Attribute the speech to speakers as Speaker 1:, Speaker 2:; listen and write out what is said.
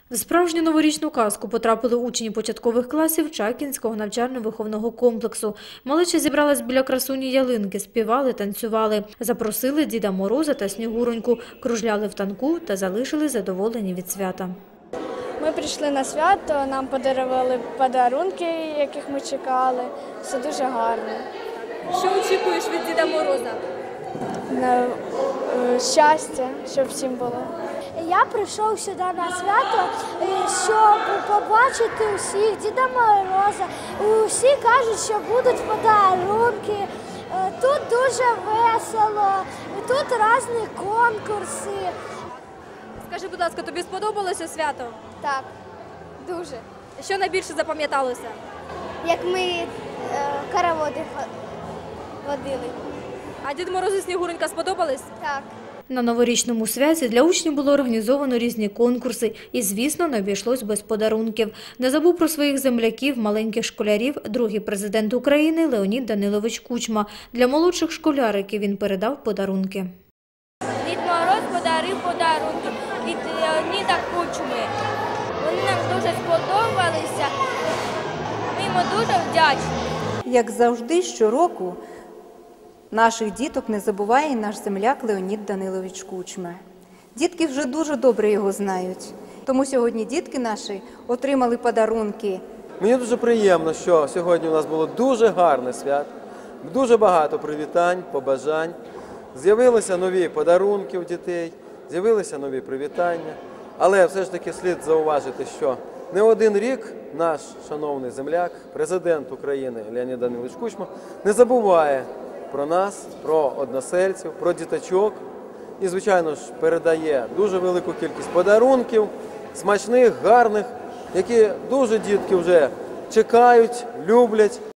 Speaker 1: В справжню новорічну казку потрапили учні початкових класів Чакінського навчально-виховного комплексу. Малеча зібралась біля красуні ялинки, співали, танцювали. Запросили Діда Мороза та Снігуроньку, кружляли в танку та залишили задоволені від свята.
Speaker 2: Ми прийшли на свято, нам подарували подарунки, яких ми чекали. Все дуже гарно.
Speaker 3: Що очікуєш від Діда Мороза?
Speaker 2: Щастя, щоб всім було.
Speaker 4: Я прийшов сюди на свято, щоб побачити усіх, Діда Мороза. Усі кажуть, що будуть подарунки. Тут дуже весело, тут різні конкурси.
Speaker 3: Скажи, будь ласка, тобі сподобалося свято?
Speaker 2: Так, дуже.
Speaker 3: Що найбільше запам'яталося?
Speaker 4: Як ми хороводи водили.
Speaker 3: А Дід Мороз і Снігуренька сподобались?
Speaker 4: Так.
Speaker 1: На новорічному святі для учнів було організовано різні конкурси і, звісно, не обійшлось без подарунків. Не забув про своїх земляків, маленьких школярів, другий президент України Леонід Данилович Кучма. Для молодших школяриків він передав подарунки.
Speaker 2: Дід Мороз подарив подарунки від Леоніда Кучми. Вони нам дуже сподобалися. Ми йому дуже вдячні.
Speaker 5: Як завжди, щороку наших діток не забуває і наш земляк Леонід Данилович Кучма. Дітки вже дуже добре його знають. Тому сьогодні дітки наші отримали подарунки.
Speaker 6: Мені дуже приємно, що сьогодні у нас було дуже гарне свято, дуже багато привітань, побажань. З'явилися нові подарунки у дітей, з'явилися нові привітання. Але все ж таки слід зауважити, що не один рік наш шановний земляк, президент України Леонід Данилович Кучма не забуває про нас, про односельців, про діточок і, звичайно ж, передає дуже велику кількість подарунків, смачних, гарних, які дуже дітки вже чекають, люблять.